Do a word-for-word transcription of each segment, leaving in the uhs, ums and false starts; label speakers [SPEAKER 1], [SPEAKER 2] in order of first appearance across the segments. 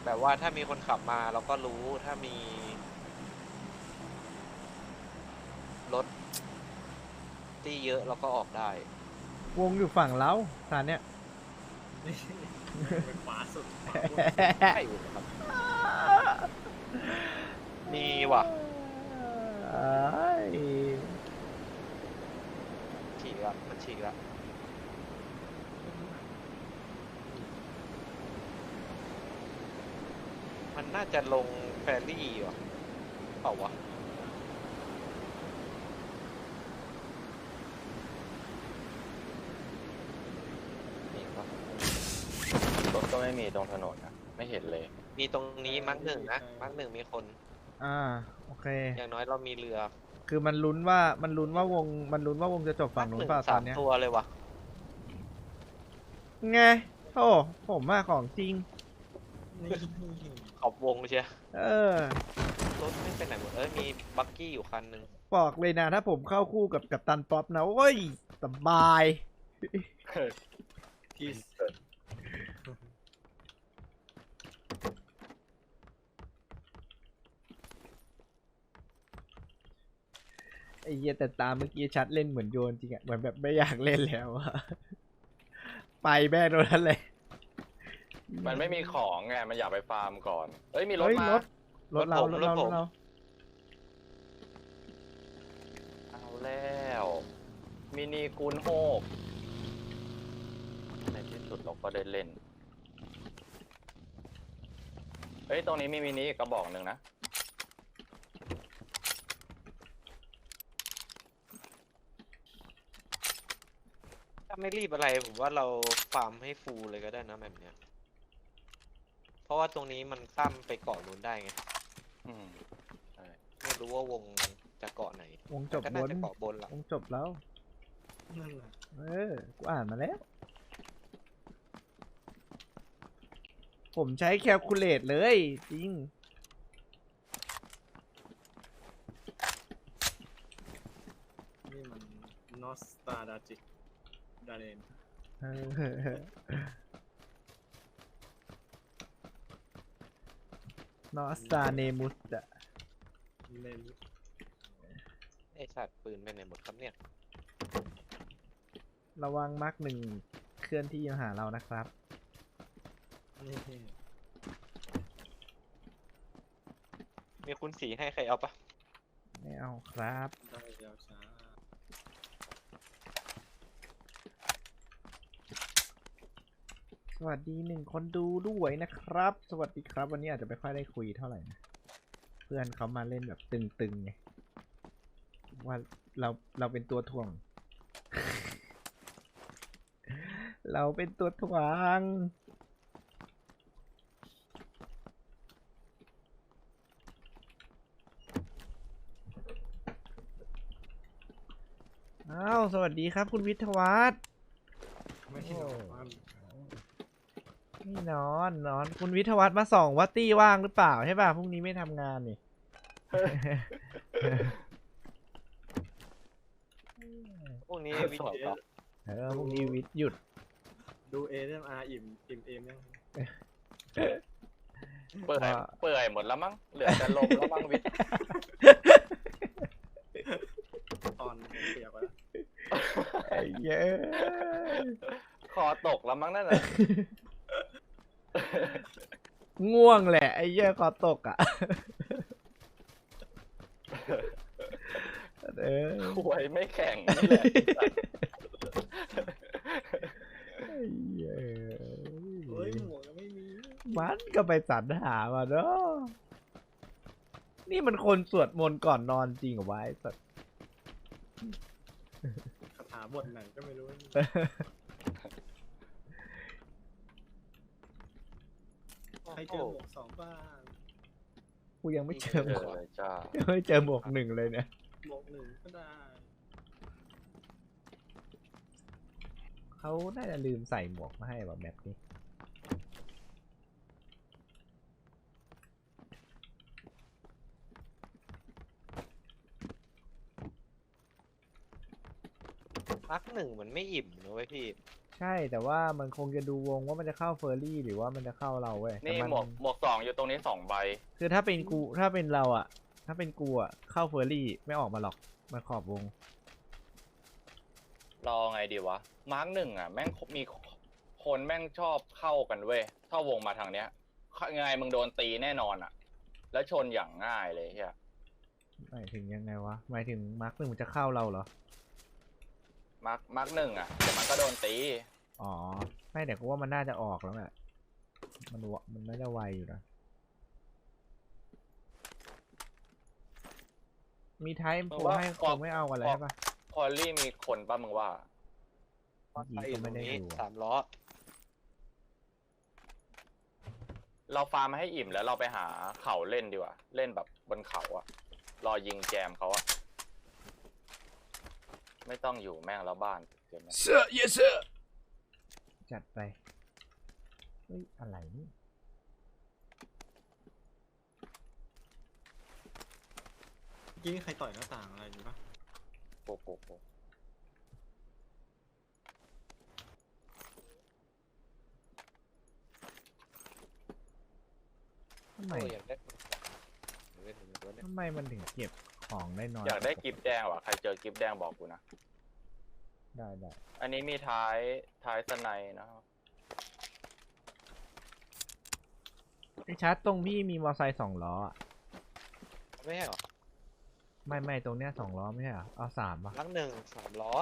[SPEAKER 1] แบบว่าถ้ามีคนขับมาเราก็รู้ถ้ามีรถที่เยอะเราก็ออกได้
[SPEAKER 2] วงอยู่ฝั่งเราตอนเนี้ย
[SPEAKER 3] นี่ไปขวาสุดขวาบน
[SPEAKER 1] ใช่ครับมีว่ะฉีกละมันฉีกละมันน่าจะลงแฟรี่ว่ะเปล่าวะมีปะ
[SPEAKER 4] รถก็ไม่มีตรงถนนนะไม่เห็นเลย
[SPEAKER 1] มีตรงนี้มักหนึ่งนะมักหนึ่งมีคน
[SPEAKER 2] อ่าโอเค
[SPEAKER 1] อย่างน้อยเรามีเรือ
[SPEAKER 2] คือมันลุ้นว่ามันลุ้นว่าวงมันลุ้นว่าวงจะจบฝั่งนู้นเปล่าต
[SPEAKER 1] สา
[SPEAKER 2] อน
[SPEAKER 1] ม
[SPEAKER 2] เนี้ย
[SPEAKER 1] ตัวเลยวะ
[SPEAKER 2] ไงโอ้ผมมาของจริง
[SPEAKER 3] นี่
[SPEAKER 1] ขอบวงเชีย
[SPEAKER 2] เออ
[SPEAKER 1] รถไม่เป็นไหนหมดเอ้ยมีบักกี้อยู่คันหนึ่ง
[SPEAKER 2] บอกเลยนะถ้าผมเข้าคู่กับกัปตันป๊อปนะโอ้ยสบาย
[SPEAKER 3] ที่
[SPEAKER 2] ไอ้เหี้ยแต่ตามเมื่อกี้ชัดเล่นเหมือนโยนจริงอะเหมือนแบบไม่อยากเล่นแล้วอะไปแม่โดนนั้นเลย
[SPEAKER 4] มันไม่มีของไงมันอยากไปฟาร์มก่อนเอ้ยมีรถ
[SPEAKER 2] เฮ้ย
[SPEAKER 4] มาร
[SPEAKER 2] ถรถเรารถเรารถเรา
[SPEAKER 4] เอาแล้วมินิกูนโฮกในที่สุดเราก็ได้เล่นเฮ้ยตรงนี้มีมินิอีกกระบอกหนึ่งนะ
[SPEAKER 1] ถ้าไม่รีบอะไรผมว่าเราฟาร์มให้ฟูลเลยก็ได้นะแบบเนี้ยเพราะว่าตรงนี้มันข้ามไปเกาะนู้นได้ไง
[SPEAKER 4] อืมใช่
[SPEAKER 1] ไม่รู้ว่าวงจะเกาะไหน
[SPEAKER 2] วงจบ
[SPEAKER 1] ก็
[SPEAKER 2] บ
[SPEAKER 1] น่าน จะเกาะบนละ
[SPEAKER 2] วงจบแล้ว
[SPEAKER 3] นั่นแหละ
[SPEAKER 2] เออ กูอ่านมาแล้ว ผมใช้แคลคูลเลตเลย จริง
[SPEAKER 3] นี่มันนอสตาดาจิดาเรน
[SPEAKER 2] เออ นอสตาเนมุสอะ
[SPEAKER 3] เล่น
[SPEAKER 1] ไอสัตว์ปืนไปไหนหมดครับเนี่ย
[SPEAKER 2] ระวังมาร์กหนึ่งเคลื่อนที่มาหาเรานะครับ
[SPEAKER 3] นี่
[SPEAKER 1] มีคุณสีให้ใครเอาปะ
[SPEAKER 2] ไม่เอาครับ
[SPEAKER 3] ได้ยาวช้า
[SPEAKER 2] สวัสดีหนึ่งคนดูด้วยนะครับ สวัสดีครับ วันนี้อาจจะไม่ค่อยได้คุยเท่าไหร่นะ เพื่อนเขามาเล่นแบบตึงๆไง ว่าเราเราเป็นตัวถ่วง เราเป็นตัวถ่วง อ้าว สวัสดีครับคุณวิทยวัฒน์
[SPEAKER 3] ไม่เห็นว่า
[SPEAKER 2] นี่นอนนอนคุณวิทยวัฒน์มาส่องว่าตี้ว่างหรือเปล่าใช่ป่ะพรุ่งนี้ไม่ทำงานนี่
[SPEAKER 1] พวกนี้วิ
[SPEAKER 4] ส
[SPEAKER 1] จ
[SPEAKER 4] อง
[SPEAKER 1] ารณ์
[SPEAKER 2] เออพรุ่งนี้วิทย์หยุด
[SPEAKER 3] ดูเอเรื่องอาร์อิ่มอิ่มเอมยัง
[SPEAKER 4] เปื่อย
[SPEAKER 2] ว่า
[SPEAKER 4] เปื่อยหมดแล้วมั้งเหลือแต่ลมแล้วมั้งวิทย์
[SPEAKER 3] ตอนเปียกแล้ว
[SPEAKER 2] ไอ้เย้ย
[SPEAKER 4] คอตกแล้วมั้งนั่นน่ะ
[SPEAKER 2] ง่วงแหละไอ้เย้ยคอตกอ่ะ เออ
[SPEAKER 4] ควยไม่แข็งนี่แหละ
[SPEAKER 2] ไอ้เย้ย
[SPEAKER 3] เฮ้ยหมวกยังไม่มี
[SPEAKER 2] มันก็ไปสรรหามาเนาะนี่มันคนสวดมนต์ก่อนนอนจริงเหรอวะไอ้สัส
[SPEAKER 3] คาถาบทไหนก็ไม่รู้ใครเจอหมวกสองบ้าง
[SPEAKER 2] กูยังไม่เจอห
[SPEAKER 4] เจ
[SPEAKER 2] ม
[SPEAKER 4] อ
[SPEAKER 2] วก
[SPEAKER 4] เลยจ้า
[SPEAKER 2] ยังไม่เจอหมวกหนึ่งเลยเนี่ย
[SPEAKER 3] หมวกหนึ่งก็ได้
[SPEAKER 2] เขาน่าจะลืมใส่หมวกมาให้แบบแบบนี้
[SPEAKER 1] มักหนึ่งมันไม่อิ่มนะเว้ยพี่
[SPEAKER 2] ใช่แต่ว่ามันคงจะดูวงว่ามันจะเข้าเฟอร์รี่หรือว่ามันจะเข้าเราเว้ยแต่
[SPEAKER 4] นี่
[SPEAKER 2] มัน
[SPEAKER 4] หมวกหมวกสองอยู่ตรงนี้สองใบ
[SPEAKER 2] คือถ้าเป็นกูถ้าเป็นเราอะถ้าเป็นกูอะเข้าเฟอร์รี่ไม่ออกมาหรอกมันขอบวง
[SPEAKER 4] รอไงดีวะ มาร์กหนึ่งอ่ะ แม่งมีคนแม่งชอบเข้ากันเว้ยถ้าวงมาทางเนี้ยยังไงมึงโดนตีแน่นอนอ่ะ แล้วชนอย่างง่ายเลยเฮีย
[SPEAKER 2] หมายถึงยังไงวะหมายถึงมาร์คหนึ่งมันจะเข้าเราเหรอ
[SPEAKER 4] มาร์กมาร์กหนึ่งอ่ะเดี๋ยวมันก็โดนตี
[SPEAKER 2] อ๋อไม่แต่กูว่ามันน่าจะออกแล้วแหละมันวะมันน่าจะไวอยู่นะมีไทป์ผมให้คงไม่เอากันเลยใช่ปะ
[SPEAKER 4] พอลลี่มีคนป่ะมึงว่า
[SPEAKER 2] เมื่อกี้
[SPEAKER 1] ไปอ
[SPEAKER 2] ก็
[SPEAKER 1] ยู่ตร
[SPEAKER 2] ไม่
[SPEAKER 1] ง
[SPEAKER 2] ได้
[SPEAKER 1] นี้
[SPEAKER 2] ดู
[SPEAKER 1] สามล้อ
[SPEAKER 4] เราฟาร์มให้อิ่มแล้วเราไปหาเขาเล่นดีกว่า เล่นแบบบนเขาอะรอยิงแจมเขาอะไม่ต้องอยู่แม่งแล้วบ้านเกินไหม
[SPEAKER 2] เสื้อเยสเสื้อจัดไปเฮ้ยอะไรนี่
[SPEAKER 3] เมื่อกี้มีใครต่อยหน้าต่างอะไรอยู่ปะ
[SPEAKER 4] โป๊ะโป๊ะโป๊ะ
[SPEAKER 2] ทำไม
[SPEAKER 1] โอ้ยอยากได้เล่นตัวเนี้ย
[SPEAKER 2] ทำไมมันถึงเก็บของได้น้อย
[SPEAKER 4] อยากได้กิฟต์แดงว่ะใครเจอกิฟต์แดงบอกกูนะ
[SPEAKER 2] ได้ได้
[SPEAKER 4] อันนี้มีท้ายท้ายสไนด์นะครับ
[SPEAKER 2] ไอชาร์จตรงพี่มีมอเตอร์ไซค์สองล้ออะ
[SPEAKER 1] ไม่ใช่หรอ
[SPEAKER 2] ไม่ไม่ตรงเนี้ยสองล้อไม่ใช่เหรอเอาสามปะ
[SPEAKER 1] ลังหนึ่งสามล้อ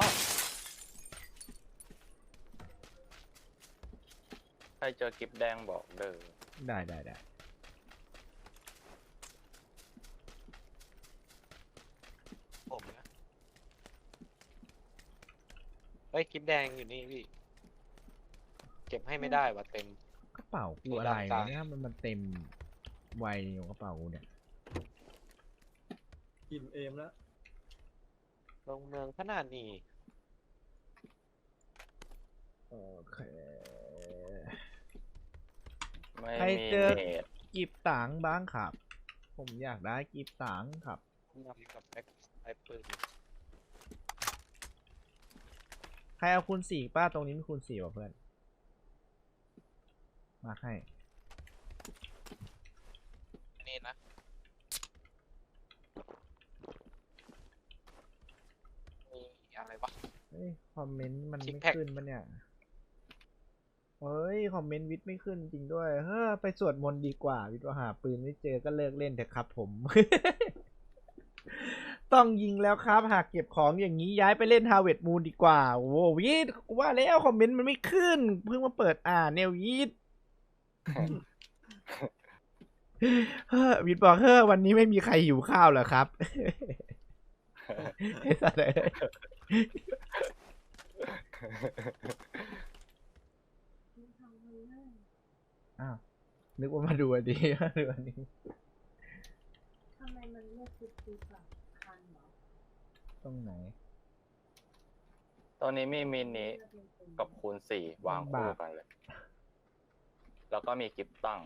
[SPEAKER 4] ใครเจอกิฟต์แดงบอกเด้อ
[SPEAKER 2] ได้ได้ได้
[SPEAKER 1] ผมนะเฮ้ยคลิปแดงอยู่นี่พี่ เก็บให้ไม่ได้ว่ะเต็ม
[SPEAKER 2] กระเป๋ากู
[SPEAKER 1] มี
[SPEAKER 2] อะไร
[SPEAKER 1] ด้านกลาง
[SPEAKER 2] เนี่ยมันมันเต็มไวอยู่กระเป๋ากูเนี่ย
[SPEAKER 3] อิ่มเอมแล้ว
[SPEAKER 1] ลงเมืองขนาดนี้
[SPEAKER 2] โอเค
[SPEAKER 4] ไม่
[SPEAKER 2] ใคร
[SPEAKER 4] มี
[SPEAKER 2] เจอ
[SPEAKER 4] เนต
[SPEAKER 2] กิบตังค์บ้างครับ ผมอยากได้กิบตังค์ครับ
[SPEAKER 1] นำกับแบ็คไอปืน
[SPEAKER 2] ใครเอาคูณสี่ป้าตรงนี้มีคูณสี่ป่ะเพื่อน มาให้
[SPEAKER 1] อันนี้นะมีอะไรวะ
[SPEAKER 2] เฮ้ย คอมเมนต์มัน
[SPEAKER 1] Six
[SPEAKER 2] ไม่
[SPEAKER 1] pack
[SPEAKER 2] ขึ้นปะเนี่ย เฮ้ย คอมเมนต์วิทย์ไม่ขึ้นจริงด้วย เฮ้อ ไปสวดมนต์ดีกว่า วิทย์ว่าหาปืนไม่เจอก็เลิกเล่นเถอะครับผม ต้องยิงแล้วครับ หากเก็บของอย่างนี้ย้ายไปเล่นฮาเวิร์ดมูนดีกว่า โอ้โหวิทย์กูว่าแล้วคอมเมนต์มันไม่ขึ้น เพิ่งมาเปิดอ่านเนี่ยวิทย์ เฮ้อวิทย์บอกเฮ้อวันนี้ไม่มีใครหิวข้าวเหรอครับ ไอ้สัตว์เอ้ย อ้าวนึกว่ามาดูอันนี้ มาดูอันนี้
[SPEAKER 5] ทำไมมันไม่คิดดีกว่าคันเหรอ
[SPEAKER 2] ตรงไหน
[SPEAKER 4] ตอนนี้มีมินิกับคูณสี่วางคู่กันเลย แล้วก็มีกิฟต์ตั้ง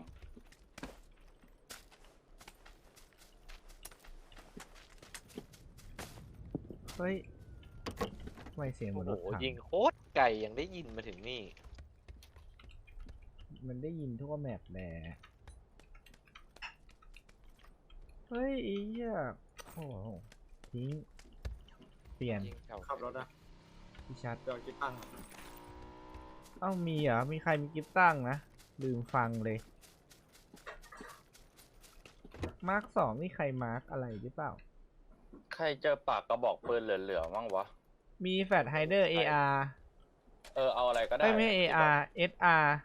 [SPEAKER 2] เฮ้ยทำไมเสียงเหมื
[SPEAKER 1] โอ้
[SPEAKER 2] อนรถ
[SPEAKER 1] โห
[SPEAKER 2] ถัง
[SPEAKER 1] ยิงโคตรไกลยังได้ยินมาถึงนี่
[SPEAKER 2] มันได้ยินทั่วแมปแหละเฮ้ยไอ้เหี้ยโอ้โหทิ้ง เปลี่ยน
[SPEAKER 1] ยิงแถว
[SPEAKER 3] ขับรถอะ
[SPEAKER 2] พี่ชัด
[SPEAKER 3] เดี๋ยวกิ๊บตั้งอะ
[SPEAKER 2] เอ้ามีเหรอ มีใครมีกิฟต์ตั้งนะ ลืมฟังเลย มาร์คสองนี่ใครมาร์คอะไรหรือเปล่า
[SPEAKER 4] ใครเจอปากกระบอกปืนเหลือๆมั่งวะ
[SPEAKER 2] มีแฟลชไฮเดอร์ เอ อาร์
[SPEAKER 4] เออเอาอะไรก็ได้
[SPEAKER 2] ไม่ไม่ เอ อาร์ เอส อาร์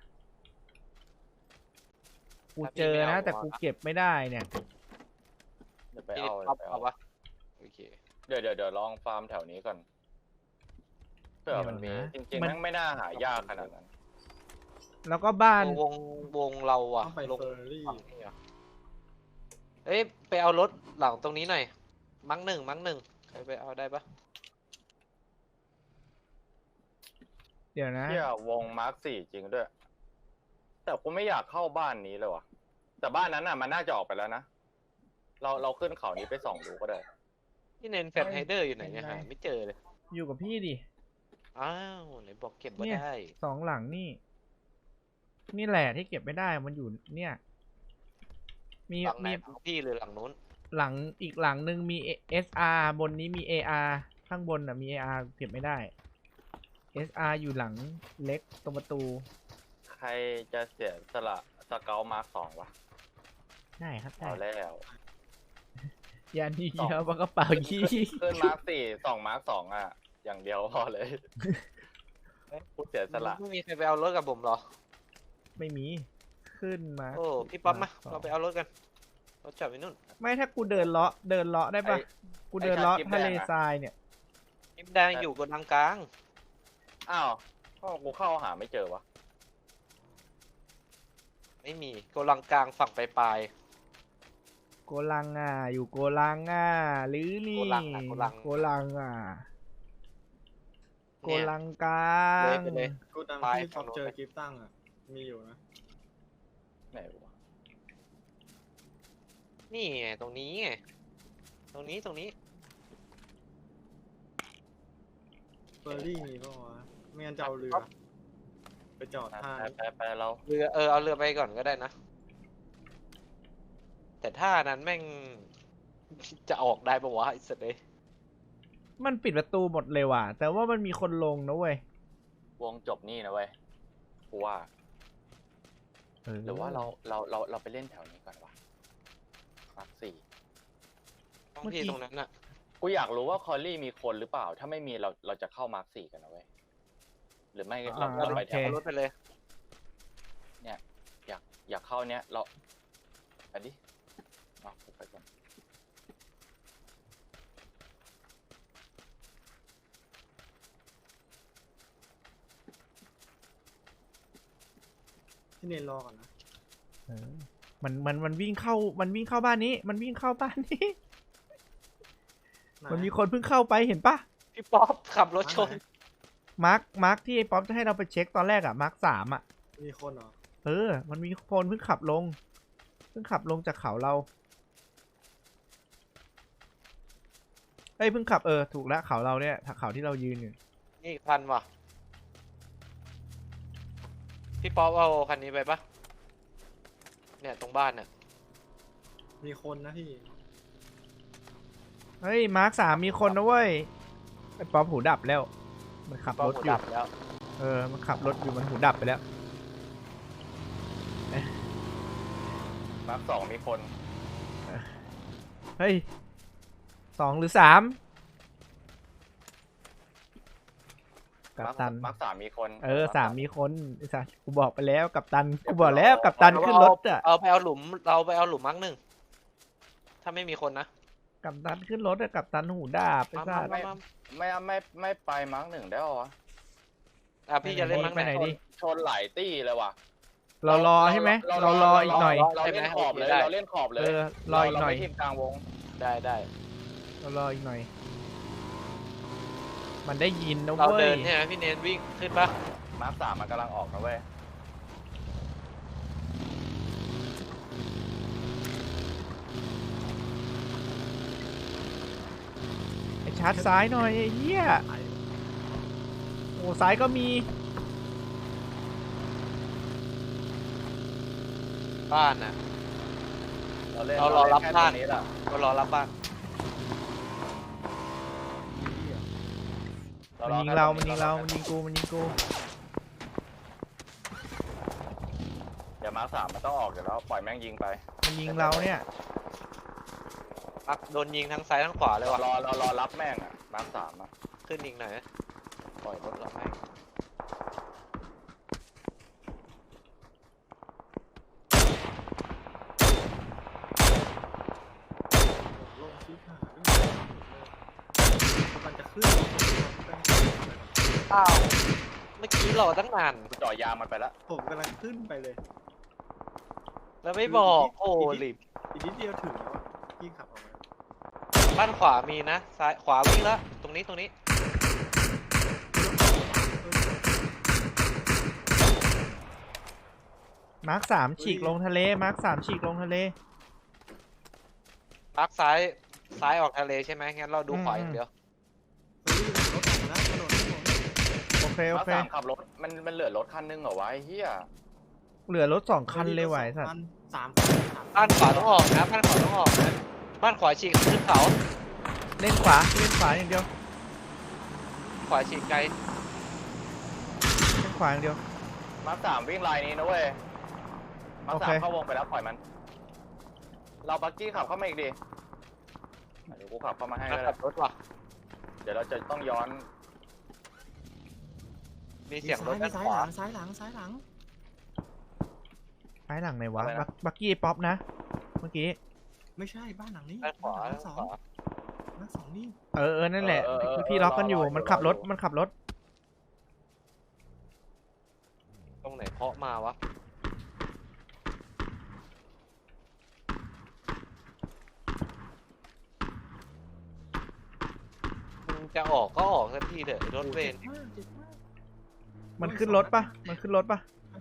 [SPEAKER 2] กูเจอนะ แต่กูเก็บไม่ได้เนี่ย
[SPEAKER 4] เดี๋ยวไป
[SPEAKER 1] พี่
[SPEAKER 4] เอา
[SPEAKER 1] ท็อป
[SPEAKER 4] ไป
[SPEAKER 1] เอา
[SPEAKER 4] เอา
[SPEAKER 1] วะโอเค
[SPEAKER 4] เดี๋ยวเดี๋ยวเดี๋ยวลองฟาร์มแถวนี้ก่อนเผื่อมันมี
[SPEAKER 2] เดี๋ยวนะ
[SPEAKER 4] จริงๆ
[SPEAKER 2] มัน
[SPEAKER 4] แม่งไม่น่าหายากขนาดนั้น
[SPEAKER 2] แล้วก็บ้าน
[SPEAKER 1] วงวงเราอะ
[SPEAKER 3] ต้องไป
[SPEAKER 1] ลง
[SPEAKER 3] เฟอร์รี่
[SPEAKER 1] ฝั่งนี้เหรอเอ้ยไปเอารถหลังตรงนี้หน่อย มั้งหนึ่งมั้งหนึ่งใครไปเอาได้ปะ
[SPEAKER 2] เดี๋ยวนะ
[SPEAKER 4] เที่ยวงมาร์คสี่จริงด้วย แต่กูไม่อยากเข้าบ้านนี้เลยว่ะ แต่บ้านนั้นน่ะมันน่าจะออกไปแล้วนะ เราเราขึ้นเขานี้ไปส่องดูก็ได้
[SPEAKER 1] ที่เนนแฟตไฮเดอร์อยู่ไหนเนี่ยหาไม่เจอเลย
[SPEAKER 2] อยู่กับพี่ดิ
[SPEAKER 1] อ้าวไหนบอกเก็บไว้
[SPEAKER 2] เนี่ย
[SPEAKER 1] ได้
[SPEAKER 2] สองหลังนี่ นี่แหละที่เก็บไม่ได้มันอยู่เนี่ย มี
[SPEAKER 1] หลังไหน
[SPEAKER 2] มี
[SPEAKER 1] หลังพี่หรือหลังนู้น
[SPEAKER 2] หลังอีกหลังหนึ่งมี เอส อาร์ บนนี้มี เอ อาร์ ข้างบนอ่ะมี เอ อาร์ เก็บไม่ได้ เอส อาร์ อยู่หลังเล็กตรงประตู
[SPEAKER 4] ใครจะเสียสละสเกลมาร์คสองวะ
[SPEAKER 2] ได้ครับได้
[SPEAKER 4] เอาแล้ว
[SPEAKER 2] ยานีเยอะปากกระเป๋ายี่
[SPEAKER 4] ขึ้นมาร์คสี่สองมาร์คสองอ่ะ อย่างเดียวพอเลยพูดเสียสละ
[SPEAKER 1] ไม่มีใครไปเอารถกับผมเหรอ
[SPEAKER 2] ไม่มีขึ้นมา
[SPEAKER 1] โอ้พี่ป๊อปมา
[SPEAKER 2] สอง
[SPEAKER 1] เราไปเอารถกันรถจอดไว้นู่น
[SPEAKER 2] ไม่ถ้ากูเดินเลาะเดินเลาะได้ปะ
[SPEAKER 4] ไอ้
[SPEAKER 2] กูเดินเลาะ
[SPEAKER 4] ไอ้ชาติ
[SPEAKER 2] ทะเล
[SPEAKER 4] แดงอะ
[SPEAKER 2] ทรายเนี่ย
[SPEAKER 1] นิมแดงอยู่กดังกลาง
[SPEAKER 4] อ้าวก็กูเข้าหาไม่เจอวะ
[SPEAKER 1] ไม่มีกดังกลางฝั่งปลาย
[SPEAKER 2] โกลังอ่ะอยู่โกลังอ่ะหรือนี่
[SPEAKER 1] โกลังอะโกลัง
[SPEAKER 2] โกลังอ่ะ
[SPEAKER 1] ๆ
[SPEAKER 2] โก
[SPEAKER 1] เนี่ย
[SPEAKER 2] ลังกลา
[SPEAKER 1] เลย
[SPEAKER 2] ง
[SPEAKER 1] ไปเลย
[SPEAKER 3] กูดัง
[SPEAKER 1] ไป
[SPEAKER 3] ที่
[SPEAKER 1] ฝั่
[SPEAKER 3] พ
[SPEAKER 1] ง
[SPEAKER 3] บ
[SPEAKER 1] นู้น
[SPEAKER 3] เจอ
[SPEAKER 1] เลย
[SPEAKER 3] กิฟต์ตั้งอ่ะ มีอยู่นะ
[SPEAKER 4] ไหนวะ
[SPEAKER 1] นี่ไงตรงนี้ไงตรงนี้ตรงนี้
[SPEAKER 3] เฟอร์รี่มีปะวะไม่งั้นจะเอาเรือ ไปจอดท่า
[SPEAKER 4] ไปไปไปเรา
[SPEAKER 1] เรือเออเอาเรือไปก่อนก็ได้นะ แต่ท่านั้นแม่ง จะออกได้ปะวะไอ้สัตว์เลย
[SPEAKER 2] มันปิดประตูหมดเลยว่ะ แต่ว่ามันมีคนลงนะเว้ยว
[SPEAKER 4] งจบนี่นะเว้ยกูว่า
[SPEAKER 2] เออ
[SPEAKER 4] หรือว่าเราเราเราเราไปเล่นแถวนี้ก่อนวะมาร์คสี่
[SPEAKER 1] ต้องที่ตรงนั้นน่ะ
[SPEAKER 4] กูอยากรู้ว่าคอลลี่มีคนหรือเปล่า ถ้าไม่มีเราเราจะเข้ามาร์คสี่กันนะเว้ย หรือไม่เรา
[SPEAKER 2] อ่า
[SPEAKER 4] เราไป
[SPEAKER 2] โอ
[SPEAKER 4] แถ
[SPEAKER 2] เค
[SPEAKER 4] ว
[SPEAKER 1] เอารถไปเลย
[SPEAKER 4] เนี่ยอยากอยากเข้าเนี้ยเราไปดิเอาไปก่อน
[SPEAKER 3] ที่เนนรอก่อนนะ
[SPEAKER 2] เออมันมันมันวิ่งเข้ามันวิ่งเข้าบ้านนี้ มันวิ่งเข้าบ้านนี้
[SPEAKER 3] ไห
[SPEAKER 2] มันมีคนเพิ่งเข้าไปเห็นปะ
[SPEAKER 1] พี่ป๊อปขับรถชน
[SPEAKER 2] มาร์คมาร์คที่ไอ้ป๊อปจะให้เราไปเช็คตอนแรกอะมาร์คสามอะ
[SPEAKER 3] มีคนเหรอ
[SPEAKER 2] เออ มันมีคนเพิ่งขับลง เพิ่งขับลงจากเขาเราเอ้ยเพิ่งขับเออถูกแล้วเขาเราเนี่ยเขาที่เรายืนอยู่
[SPEAKER 1] นี่อีกคันว่ะ พี่ป๊อปเอาคันนี้ไปปะเนี่ยตรงบ้านเนี่ย
[SPEAKER 3] มีคนนะพี่
[SPEAKER 2] เฮ้ยมาร์คสามมีคนนะเว้ยไอ้ป๊อปหูดับแล้ว มันขับ
[SPEAKER 1] ป๊อ
[SPEAKER 2] ร
[SPEAKER 1] ป
[SPEAKER 2] ถ
[SPEAKER 1] หู
[SPEAKER 2] อยู่
[SPEAKER 1] ดับแล้ว
[SPEAKER 2] เออ มันขับรถอยู่มันหูดับไปแล้ว
[SPEAKER 4] มาร์คสองมีคน
[SPEAKER 2] เฮ้ยสองหรือสามกัปตัน
[SPEAKER 4] มาร์คสามมีคน
[SPEAKER 2] เออสามมีคนไอ้สัสกูบอกไปแล้วกัปตันกูบอกแล้วกัปตันขึ้นรถอะ
[SPEAKER 1] เอาไปเอาหลุมเราไปเอาหลุมมั้งหนึ่งถ้าไม่มีคนนะ
[SPEAKER 2] กัปตันขึ้นรถอะกัปตันหูดาบไอ้
[SPEAKER 1] มา
[SPEAKER 2] สั
[SPEAKER 1] มา
[SPEAKER 2] ส
[SPEAKER 1] มามา
[SPEAKER 4] ไม่ไม่ไม่ไปมาร์คหนึ่งได้หรอวะ
[SPEAKER 1] อ่ะพี่จะเล่นมั้ง
[SPEAKER 2] ไปไหน
[SPEAKER 1] ไหน
[SPEAKER 2] ดิ
[SPEAKER 4] ชนหลายตี้เลยว่ะ
[SPEAKER 2] เรารอใช่ไหมเรารออีกหน่อย
[SPEAKER 4] เราเล่นขอบเลยเราเล่นขอบเลย
[SPEAKER 2] เออรออีกหน่อย
[SPEAKER 4] เาไม่ทีมกลางวง
[SPEAKER 1] ได้ได้
[SPEAKER 2] เรารออีกหน่อย มันได้ยินนะ
[SPEAKER 1] เรา
[SPEAKER 2] เว้
[SPEAKER 1] เดิ
[SPEAKER 2] ย
[SPEAKER 1] นใช่ไหมพี่เนนวิ่งขึ้นปะ
[SPEAKER 4] มาร์คสามมันกำลังออกนะเว้ย
[SPEAKER 2] ไอ้ชาร์จซ้ายหน่อยไอ้เหี้ยโอ้ซ้ายก็มี
[SPEAKER 1] บ้านน่ะ
[SPEAKER 4] เราเล่น
[SPEAKER 1] เรารอรับ
[SPEAKER 4] เล่นแค่
[SPEAKER 1] บ้าน
[SPEAKER 4] ตรงนี้แหละ
[SPEAKER 1] ก็รอรับบ้าน
[SPEAKER 2] มันยิงเรา มันยิงเรา มันยิงกู มันยิงกู
[SPEAKER 4] เดี๋ยวมาร์คสามมันต้องออกเดี๋ยวแล้วปล่อยแม่งยิงไป
[SPEAKER 2] มันยิงเราเนี่ย
[SPEAKER 1] ปักโดนยิงทั้งซ้ายทั้งขวาเลยว่ะ
[SPEAKER 4] รอรอรอรับแม่งอ่ะมาร์คสามอ่ะ
[SPEAKER 1] ขึ้นอีกหน่อยนะปล่อยรถเราให้
[SPEAKER 3] ลงชี้ขาด้วยมันจะขึ้น
[SPEAKER 1] อ้าวเมื่อกี้รอตั้งนาน
[SPEAKER 4] กูจ่อยางมันไปแล้ว
[SPEAKER 3] ผมกำลังขึ้นไปเลย
[SPEAKER 1] แล้วไม่บอกโอ้ลิบ
[SPEAKER 3] อีกนิดเดียวถึงแล้วอะพี่ขับออกมา
[SPEAKER 1] บ้านขวามีนะซ้ายขวาวิ่งแล้วตรงนี้ตรงนี้
[SPEAKER 2] มาร์คสามฉีกลงทะเล มาร์คสามฉีกลงทะเล
[SPEAKER 1] ปักซ้ายซ้ายออกทะเลใช่ไหมงั้นเราดู
[SPEAKER 2] อืม
[SPEAKER 1] ขวาอย่างเดียว
[SPEAKER 3] เฮ้ยรถออกมาแล้วถนนถนน
[SPEAKER 2] โอ
[SPEAKER 4] มาร์ค
[SPEAKER 2] เค
[SPEAKER 4] สามขับรถมันมันเหลือรถคันนึงเหรอวะไอ้เฮีย
[SPEAKER 2] เหลือรถสองคันเลยว่ะไอ้สัตว์
[SPEAKER 3] สามคันสามคัน
[SPEAKER 1] บ้านขวาต้องออกนะบ้านขวาต้องออกนะบ้านขวาฉีกขึ้นเขา
[SPEAKER 2] เล่นขวาเล่นขวาอย่างเดียว
[SPEAKER 1] ขวาฉีกไกล
[SPEAKER 2] เล่นขวาอย่างเดียว
[SPEAKER 4] มาร์คสามวิ่งไลน์นี้นะเว้ยมาร์คสาม
[SPEAKER 2] โอเค
[SPEAKER 4] เข้าวงไปแล้วปล่อยมัน เราบักกี้ขับเข้ามาอีกดิเดี๋ยวกูขับเข้ามาให้
[SPEAKER 1] มา
[SPEAKER 4] ก็
[SPEAKER 1] ขั
[SPEAKER 4] ได้
[SPEAKER 1] บรถว่ะ
[SPEAKER 4] เดี๋ยวเราจะต้องย้อน
[SPEAKER 1] มีเสียงรถ
[SPEAKER 3] มี
[SPEAKER 1] ด้าน
[SPEAKER 3] ซ้าย
[SPEAKER 1] ขวา
[SPEAKER 3] หลังซ้ายหลังซ้ายหลัง
[SPEAKER 2] ซ้ายหลังไหนวะบักบักกี้ป๊อปนะเมื่อกี้
[SPEAKER 3] ไม่ใช่บ้านหลังนี้
[SPEAKER 1] ด้านขวา
[SPEAKER 3] บ้านหลั
[SPEAKER 1] ด้าง น
[SPEAKER 3] สอง
[SPEAKER 1] ขวา
[SPEAKER 3] บ้านสองนี่
[SPEAKER 2] เออเออนั่นแหละพี่ล็อกกันอยู่มันขับรถมันขับรถ
[SPEAKER 1] ตรงไหนเคาะมาวะมึงจะออกก็ออกสักทีเถอะไอ้รถเวร
[SPEAKER 3] จ็บมากเจ็บมาก
[SPEAKER 2] มันขึ้นรถปะมันขึ้นรถปะ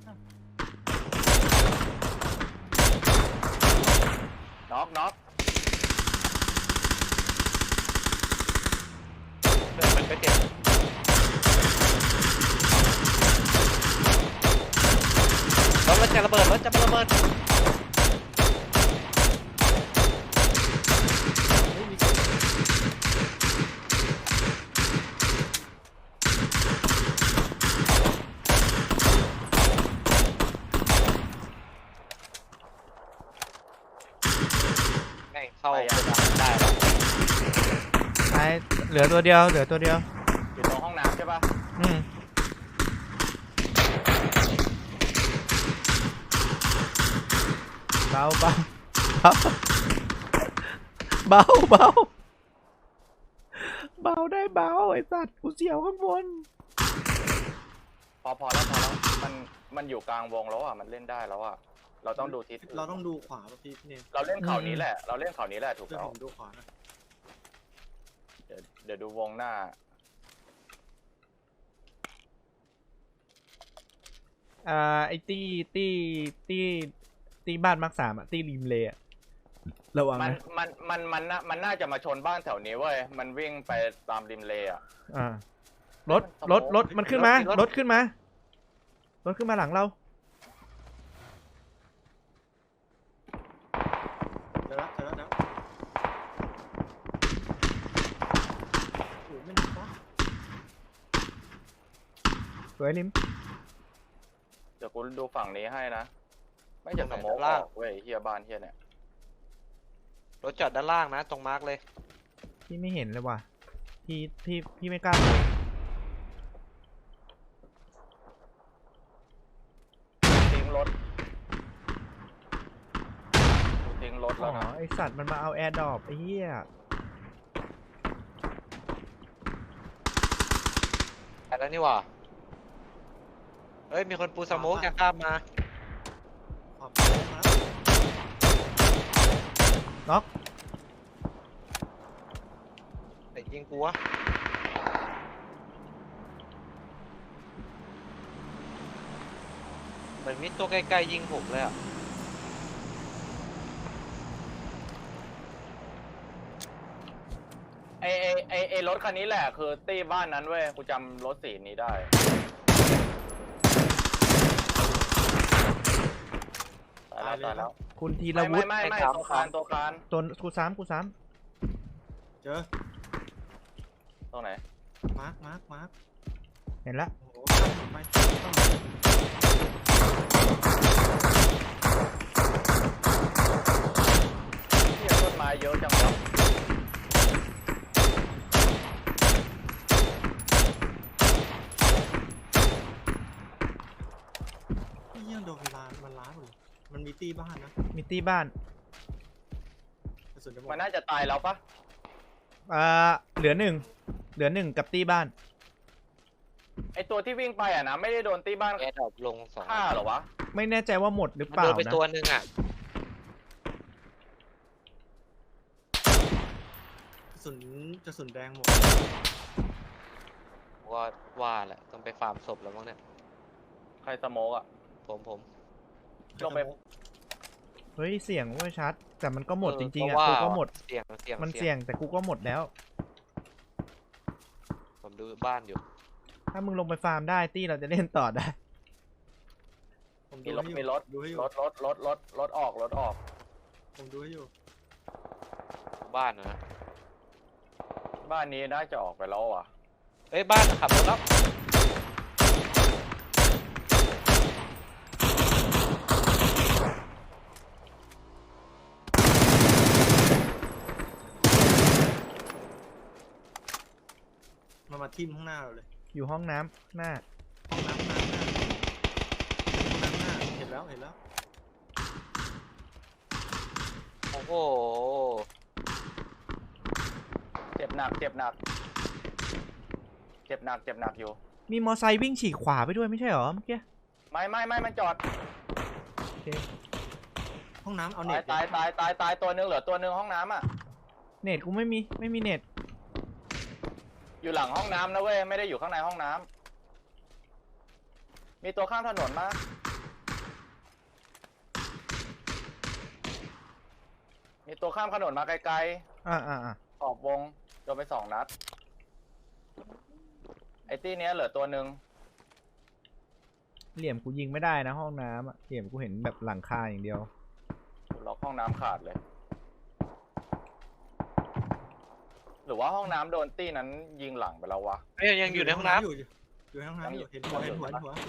[SPEAKER 4] น็อกน็อก
[SPEAKER 1] เดินมันไปเจ็บรถมันจะระเบิดรถจะระเบิด
[SPEAKER 3] เฮ้ยมีเสียง
[SPEAKER 1] แม่งเข้าโกดังได้แล้ว
[SPEAKER 2] ซ้ายเหลือตัวเดียวเหลือตัวเดียว
[SPEAKER 4] อยู่ตรงห้องน้ำใช่ปะ
[SPEAKER 2] อืมเบาเบาเบาเบาเบาเบาได้เบาไอ้สัตว์กูเสียวข้างบน
[SPEAKER 4] พอพอแล้วพอแล้วมันมันอยู่กลางวงแล้วอ่ะมันเล่นได้แล้วอ่ะเราต้องดูทิศ
[SPEAKER 3] เราต้องดูขวาป่ะพี่พี่เนม
[SPEAKER 4] เราเล่นเขานี้แหละ เราเล่นเขานี้แหละถูก
[SPEAKER 3] เดี๋ยว
[SPEAKER 4] แล้ว
[SPEAKER 3] ผมดูขวานะ
[SPEAKER 4] เดี๋ยวเดี๋ยวดูวงหน้า
[SPEAKER 2] อ่าไอ้ตี้ตี้ตี้ตี้บ้านมาร์คสามอะตี้ริมเลยอะระวัง
[SPEAKER 4] มัน
[SPEAKER 2] นะ
[SPEAKER 4] มันมันมันน่ามันน่าจะมาชนบ้านแถวนี้เว้ยมันวิ่งไปตามริมเลอ่ะ
[SPEAKER 2] อ่ารถรถรถมันขึ้นมารถขึ้นมารถขึ้นมาหลังเรา
[SPEAKER 3] เจอแล้วเจอแล้วนะโอ้ยไม่หนักวะ
[SPEAKER 2] สวยลิม
[SPEAKER 4] เดี๋ยวกูดูฝั่งนี้ให้นะ ไม่จะสโมกออกเว้ยเฮียบ้านเฮียเนี่ย
[SPEAKER 1] รถจอดด้านล่างนะตรงมาร์กเลย
[SPEAKER 2] พี่ไม่เห็นเลยว่ะพี่พี่พี่ไม่กล้าเลย
[SPEAKER 4] ทิ้งรถกูทิ้งรถ
[SPEAKER 2] อ๋
[SPEAKER 4] แล้ว
[SPEAKER 2] อ
[SPEAKER 4] นะ
[SPEAKER 2] ไอสัตว์มันมาเอาแอร์ดรอปไอ้เหี้ย
[SPEAKER 1] ไปแล้วนี่หว่าเฮ้ยมีคนปูสโมกจะข้ามมา
[SPEAKER 3] ขวาโค้งมาแล้ว
[SPEAKER 2] น็อก
[SPEAKER 1] แต่ยิงกูวะเหมือนมีตัวใกล้ๆยิงผมเลยอ่ะ
[SPEAKER 4] ไอไอไอไอรถคันนี้แหละคือตีบ้านนั้นเว้ยกูจำรถสีนี้ได้ตายแล้วตายแล้ว
[SPEAKER 2] คุณธีร
[SPEAKER 4] ไม่
[SPEAKER 2] วุ
[SPEAKER 4] ไม่
[SPEAKER 2] ฒิ
[SPEAKER 4] ไม่ไม่ตัวคานตัวคาน
[SPEAKER 2] ตัวกูซ้ำกูซ้
[SPEAKER 3] เจอ
[SPEAKER 4] ตรงไหน
[SPEAKER 3] มาร์คมาร์คมาร์ค
[SPEAKER 2] ำเห็นละ
[SPEAKER 3] โอ้โหข้ามไปข้ามไป
[SPEAKER 4] เฮียต้นไม้เยอะจังวะ
[SPEAKER 3] พี่ยังโดนเวลามันล้าหมดเลยมันมีตีบ้านนะ
[SPEAKER 2] มีตี้บ้าน
[SPEAKER 3] กระสุนจะหมด
[SPEAKER 4] มันน่าจะตายแล้วปะ
[SPEAKER 2] อ่าเหลือหนึ่งเหลือหนึ่งกับตี้บ้าน
[SPEAKER 4] ไอตัวที่วิ่งไปอ่ะนะไม่ได้โดนตีบ้าน
[SPEAKER 1] แอร์ดรอปลงสอง
[SPEAKER 4] ฆ่าเหรอวะ
[SPEAKER 2] ไม่แน่ใจว่าหมดหรือ
[SPEAKER 1] มัน
[SPEAKER 2] เปล่า
[SPEAKER 1] โดนไป
[SPEAKER 2] นะ
[SPEAKER 1] ตัวหนึ่งอ่ะ
[SPEAKER 3] กระสุนกระสุนแดงหมด
[SPEAKER 1] ว่าว่าแหละต้องไปฟาร์มศพแล้วมั้งเนี่ย
[SPEAKER 4] ใครสโมกอ่ะ
[SPEAKER 1] ผมผม
[SPEAKER 4] ลงไป
[SPEAKER 2] เฮ้ยเสียงว่าชัด แต่มันก็หมด
[SPEAKER 1] เออ
[SPEAKER 2] จริงๆ
[SPEAKER 1] เพ
[SPEAKER 2] อ่ะ
[SPEAKER 1] ราะว่า
[SPEAKER 2] กูก็หมด
[SPEAKER 1] เสี่ยงเสี่ยง
[SPEAKER 2] มันเสี่ยงแต่กูก็หมดแล้ว
[SPEAKER 1] ผมดูบ้านอยู่
[SPEAKER 2] ถ้ามึงลงไปฟาร์มได้ตี้เราจะเล่นต่อได้
[SPEAKER 3] ผมดู
[SPEAKER 4] มีรถ
[SPEAKER 3] ให้อยู่
[SPEAKER 4] มีรถ
[SPEAKER 3] ดูให้อยู่
[SPEAKER 4] รถรถรถรถรถออกรถออก
[SPEAKER 3] ผมดูให้อยู่
[SPEAKER 1] บ้านนะ
[SPEAKER 4] บ้านนี้น่าจะออกไปแล้วอ่ะ
[SPEAKER 1] เอ้ยบ้านขับรถแล้ว
[SPEAKER 3] มามาทิ่มข้างหน้าเราเลย
[SPEAKER 2] อยู่ห้องน้ำหน้า
[SPEAKER 3] ห้องน้ำห้องน้ำห้องน้ำหน้าเห็นแล้วเห็นแล้ว
[SPEAKER 1] โอ้โห
[SPEAKER 4] เจ็บหนักเจ็บหนัก เจ็บหนักเจ็บหนักอยู่
[SPEAKER 2] มีมอไซค์วิ่งฉีกขวาไปด้วยไม่ใช่เหรอเมื่อกี้
[SPEAKER 4] ไม่ไม่ไม่มันจอด
[SPEAKER 2] โอเค
[SPEAKER 3] ห้องน้ำเอา
[SPEAKER 4] ตา
[SPEAKER 3] เน็
[SPEAKER 4] ย
[SPEAKER 3] ต
[SPEAKER 4] ตายตายตายตายตัวนึงเหลือตัวนึงห้องน้ำอ่ะ
[SPEAKER 2] เน็ตกูไม่มีไม่มีเน็ต
[SPEAKER 4] อยู่หลังห้องน้ำนะเว้ยไม่ได้อยู่ข้างในห้องน้ำมีตัวข้ามถนนมามีตัวข้ามถนนมาไกล
[SPEAKER 2] อ่าอ่าอ่า
[SPEAKER 4] ๆออกวงโดนไปสองนัดไอ้ตี้เนี้ยเหลือตัวหนึ่ง
[SPEAKER 2] เหลี่ยมกูยิงไม่ได้นะห้องน้ำอะเหลี่ยมกูเห็นแบบหลังคาอย่างเดียว
[SPEAKER 4] ล็อกห้องน้ำขาดเลย หรือว่าห้องน้ำโดนตี้นั้นยิงหลังไปแล้ววะ
[SPEAKER 1] เอ้ยยังอยู่ในห้องน้
[SPEAKER 3] อยู่อยู่ในห้องน้ำอยู่เห็นหัวเห็นหัวเห็นหัว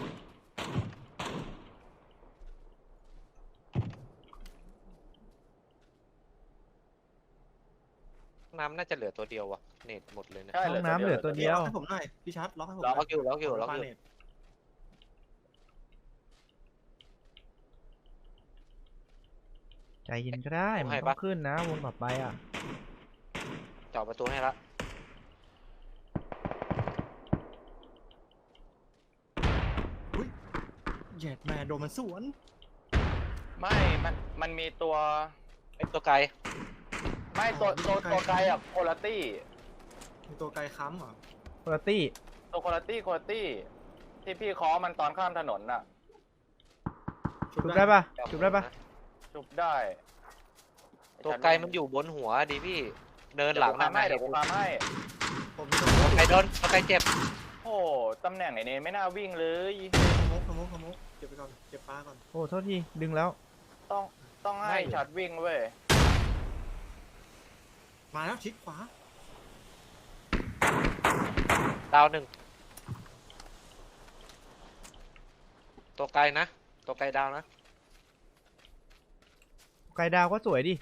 [SPEAKER 1] ำห้องน้ำน่าจะเหลือตัวเดียววะเน็ตหมดเลยนะ
[SPEAKER 4] ใช่
[SPEAKER 2] ห้องน้ำเหลือตัวเดียว
[SPEAKER 3] ล็อกให้ผมหน่อยพี่ชัดล็อกให้ผมห
[SPEAKER 1] ล็
[SPEAKER 3] น่
[SPEAKER 1] อกอยู่ล็อกอยู่ล็อกอยู่
[SPEAKER 3] ปาเน็ต
[SPEAKER 2] ใจเย็นก็ได้มันต้องขึ้นนะวงต่อไปอ่ะ
[SPEAKER 1] เจาะประตูให้ละ
[SPEAKER 3] แยดแม่โดนมันสวน
[SPEAKER 4] ไม่มันมันมีตัว
[SPEAKER 1] ไอ้ตัวไกล
[SPEAKER 4] ไม่ตัวตัวตัวไกลอะโคลตี้
[SPEAKER 3] มีตัวไกลค้ำเหรอ
[SPEAKER 2] คุณตี้
[SPEAKER 4] ตัวโคลตี้โคลตี้ที่พี่เคอมันตอนข้ามถนนน่ะ
[SPEAKER 2] จุบได้ปะจุบได้ปะ
[SPEAKER 4] จุบได้
[SPEAKER 1] ตัวไกลมันอยู่บนหัวดิพี่เดินหลัง
[SPEAKER 4] เดี๋ยวกู
[SPEAKER 1] นะ
[SPEAKER 4] ทำให้เดี๋ยวกูทำให้
[SPEAKER 3] ผมมีส
[SPEAKER 1] ตัวไกลโดนตัวไกลเจ็บ
[SPEAKER 4] โอ้ตำแหน่งไอ้นี่ไม่น่าวิ่งเลย
[SPEAKER 3] มุกขมุกขมุกเก็บไปก่อนเก็บปลาก่อน
[SPEAKER 2] โอ้โทษทีดึงแล้ว
[SPEAKER 4] ต้องต้องให้ชัดวิ่งเว้ย
[SPEAKER 3] มาแล้วชิดขวา
[SPEAKER 1] ดาวหนึ่งตัวไกลนะตัวไกลดาวนะ
[SPEAKER 2] ไกลดาวก็สวยดิ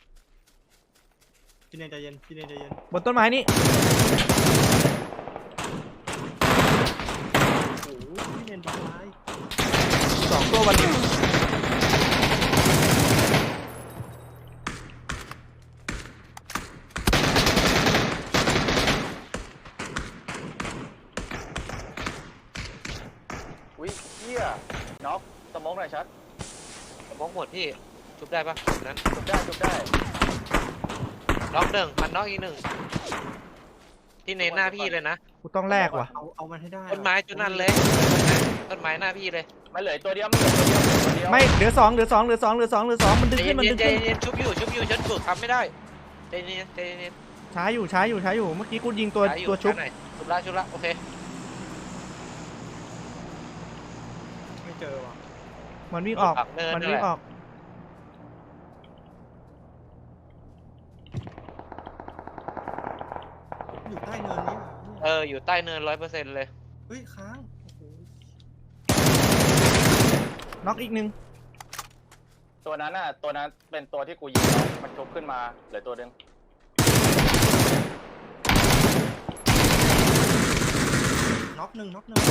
[SPEAKER 3] พี่เนนใจเย็นพี่เนนใจเย็น
[SPEAKER 2] บนต้นไม้นี่
[SPEAKER 3] โอ้โหพี่เนนทำร้าย
[SPEAKER 2] สองตัววันหนึ่ง
[SPEAKER 4] อุ้ยเหี้ยน็อกสมองหน่อยชัด
[SPEAKER 1] มองหมดพี่ชุบได้ปะนั้น
[SPEAKER 4] จุบได้จุบได้
[SPEAKER 1] ล็อกหนึ่งมันน็อกอีกหนึ่งที่เน้นหน้าพี่เลยนะ
[SPEAKER 2] กูต้องแลกว่ะ
[SPEAKER 3] เอาเอามันให้ได้
[SPEAKER 1] ต้นไม้จุดนั้นเลยต้นไม้หน้าพี่เลย
[SPEAKER 4] มันเหลือตัวเดียวมันเหลือตัวเดียวตัวเดียว
[SPEAKER 2] ไม่เหลือสองเหลือสองเหลือสองเหลือสองเหลือสองมันดึง
[SPEAKER 1] ใจ
[SPEAKER 2] ขึ้นมัน
[SPEAKER 1] เย็
[SPEAKER 2] ดึ
[SPEAKER 1] น
[SPEAKER 2] ง
[SPEAKER 1] ใจ
[SPEAKER 2] ขึ้น
[SPEAKER 1] เย็นชุบอยู่ชุบอยู่ฉันฝึกทำไม่ได้ใจเย็นใจเย็น
[SPEAKER 2] ช้าอยู่ช้าอยู่ช้าอยู่เมื่อกี้กูยิงตัว
[SPEAKER 1] ช้าอยู่
[SPEAKER 2] ตัวชุบ
[SPEAKER 1] ช้าหน่อยชุบละชุบละโอเค
[SPEAKER 3] ไม่เจอว่ะ
[SPEAKER 2] มันวิ่งออก
[SPEAKER 1] ปักเนิน
[SPEAKER 2] มัน
[SPEAKER 1] นั่น
[SPEAKER 2] วิ่
[SPEAKER 1] แห
[SPEAKER 2] ง
[SPEAKER 1] ละ
[SPEAKER 2] ออก
[SPEAKER 3] อยู่ใต้เนินนี้ว่ะ
[SPEAKER 1] เอออยู่ใต้เนินร้อยเปอร์เซ็นต์เลย
[SPEAKER 3] เฮ้ยค้างโอ้โห
[SPEAKER 2] น็อกอีกหนึ่ง
[SPEAKER 4] ตัวนั้นน่ะตัวนั้นเป็นตัวที่กูยิงแล้วมันชุบขึ้นมาเหลือตัวหนึง
[SPEAKER 3] น็อกหนึ่งน็อกหนึ่ง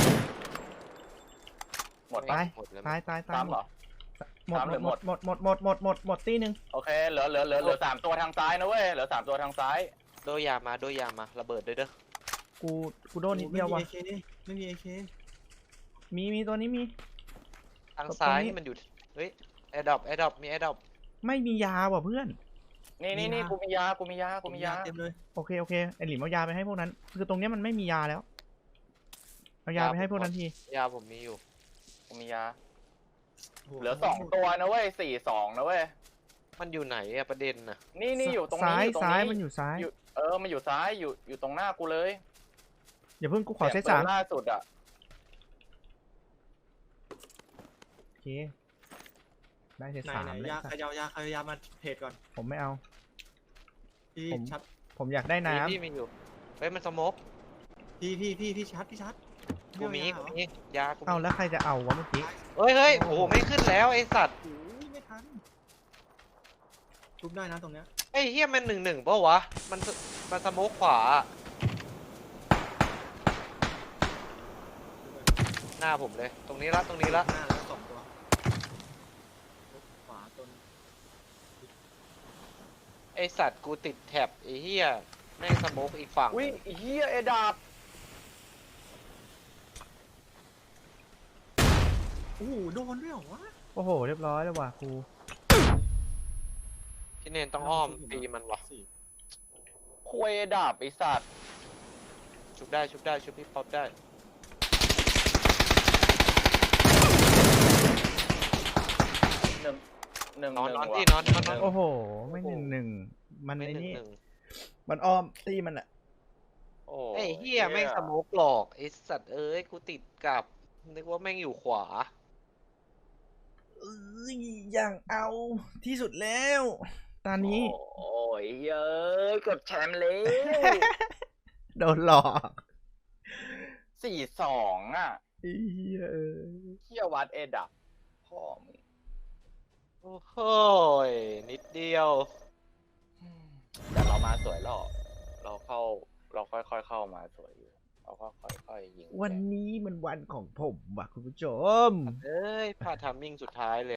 [SPEAKER 4] หมด
[SPEAKER 2] ตา
[SPEAKER 4] ปะ
[SPEAKER 2] ย
[SPEAKER 1] หมดแล้ว
[SPEAKER 2] ตายตายตาย
[SPEAKER 4] ตาม
[SPEAKER 2] หม
[SPEAKER 4] เหร
[SPEAKER 2] ด
[SPEAKER 4] อ
[SPEAKER 2] หมด
[SPEAKER 4] ตามหรือ
[SPEAKER 2] หมดหมดหมดหมดหมดหมดหมดตีหนึ่ง
[SPEAKER 4] โอเคเหลือเหลือเหลือเหลือสามตัวทางซ้ายนะเว้ยเหลือสามตัวทางซ้าย
[SPEAKER 1] โดยยามาโดยยามาระเบิดด้วยเด้อ
[SPEAKER 2] กูกูโดนนิดเดียวว่ะ
[SPEAKER 3] ไม่มีเอเค
[SPEAKER 2] มีมีตัวนี้มี
[SPEAKER 1] ทางซ้าย
[SPEAKER 2] ตรงนี้
[SPEAKER 1] นี่มันอยู่เฮ้ยแอร์ดรอปแอร์ดรอปมีแอร์ดรอป
[SPEAKER 2] ไม่มียาว่ะเพื่อน
[SPEAKER 4] นี่นี่นี่กูมียากูมียากูมียา
[SPEAKER 3] เต็มเลย
[SPEAKER 2] โอเคโอเคไอหลิมเอายาไปให้พวกนั้น คือตรงเนี้ยมันไม่มียาแล้วเอายาไปให้พวกนั้นที
[SPEAKER 1] ยาผมมีอยู่
[SPEAKER 4] กูมียาเหลือสองตัวนะเว้ยสี่สองนะเว้ย
[SPEAKER 1] มันอยู่ไหนอะประเด็นน่ะ
[SPEAKER 4] นี่นี่อยู่ตรงนี้
[SPEAKER 2] ซ้าย
[SPEAKER 4] อยู่ตรง
[SPEAKER 2] ซ้าย
[SPEAKER 4] นี้
[SPEAKER 2] มันอยู่ซ้าย
[SPEAKER 4] อยู่เออมันอยู่ซ้ายอยู่อยู่ตรงหน้ากูเลย
[SPEAKER 2] อย่าเพิ่งกูขอเซต
[SPEAKER 4] สียง
[SPEAKER 2] สาม
[SPEAKER 4] ปืนล่าสุดอ่ะ
[SPEAKER 2] โอเคได้เซต
[SPEAKER 3] ไหน
[SPEAKER 2] สาม
[SPEAKER 3] ไหน
[SPEAKER 2] แล้ว
[SPEAKER 3] ยา
[SPEAKER 2] สัต
[SPEAKER 3] ข
[SPEAKER 2] ว์
[SPEAKER 3] ยาวยาขยาวมาเพจก่อน
[SPEAKER 2] ผมไม่เอา
[SPEAKER 3] พี่
[SPEAKER 2] ผม
[SPEAKER 3] ชัด
[SPEAKER 2] ผมอยากได้น้
[SPEAKER 1] มีพี่มีอยู่เฮ้ยมันสโมก
[SPEAKER 3] พี่พี่พี่พี่ชัดพี่ชัด
[SPEAKER 1] กูมี
[SPEAKER 3] ไเอา
[SPEAKER 1] กู
[SPEAKER 3] ยาเหรอ
[SPEAKER 1] มียากู
[SPEAKER 2] ำเอา
[SPEAKER 1] มี
[SPEAKER 2] แล้วใครจะเอาวะเมื่อกี้
[SPEAKER 1] เฮ้ยเฮ้ยโอ้โหไม่ขึ้นแล้วไอสัตว์
[SPEAKER 3] โอ้ยไม่ทันทุบได้นะตรงเนี้ย
[SPEAKER 1] ไอ้เฮียมันหนึ่งหนึ่งปะวะมันสมันสโมกขวาหน้าผมเลย ตรงนี้ละตรงนี้ละ
[SPEAKER 3] หน้าแล้วสองตัวขวาตัวนึง
[SPEAKER 1] ไอสัตว์กูติดแท็บไอเฮียแม่งสโมกอีกฝั่ง
[SPEAKER 4] อุ้ยเฮียเอดาบ
[SPEAKER 3] โอ้โหโดนด้วยเหรอวะ
[SPEAKER 2] โอ้โหเรียบร้อยแล้วว่ะครู
[SPEAKER 1] พี่เนนต้องอ้อมตีมันวะ
[SPEAKER 3] สี่
[SPEAKER 4] ควยเอดาบไอสัตว์
[SPEAKER 1] ชุบได้ชุบได้ชุบพี่ป๊อปได้
[SPEAKER 4] หนึ่งหนึ่ง
[SPEAKER 1] นอน
[SPEAKER 4] ห
[SPEAKER 1] นอน
[SPEAKER 4] ว่ะ
[SPEAKER 1] ที่นอนนอนนอน
[SPEAKER 2] โอ้โห ไม่หนึ่งหนึ่งมัน
[SPEAKER 1] ไม่
[SPEAKER 2] ไอ้
[SPEAKER 1] หนึ่ง
[SPEAKER 2] นี่
[SPEAKER 1] หนึ่ง
[SPEAKER 2] มันอ้อมตีมันอะ
[SPEAKER 4] โอ้
[SPEAKER 1] ไอ้เฮียแม่งสโมกหลอกไอสัตว์เอ้ยกูติดกับนึกว่าแม่งอยู่ขวา
[SPEAKER 2] เอ้ยอย่างเอาที่สุดแล้ว ตอนนี้
[SPEAKER 4] โอ้ยเย้ยกดแชมป์แล้ว
[SPEAKER 2] โดนหลอก
[SPEAKER 4] สี่สองอ่ะ
[SPEAKER 2] ไอ้เหี้ยเอ้ย
[SPEAKER 4] เฮียวัดเอดับพ่อมึง
[SPEAKER 1] โอ้โหยนิดเดียว
[SPEAKER 4] แต่เรามาสวยหรอกเราเข้า เราค่อยๆเข้ามาสวยอยู่เราก็ค่อยๆยิง
[SPEAKER 2] วันนี้มันวันของผมว่ะคุณผู้ชม
[SPEAKER 1] เอ้ยพลาดทัมมิ่งสุดท้ายเลย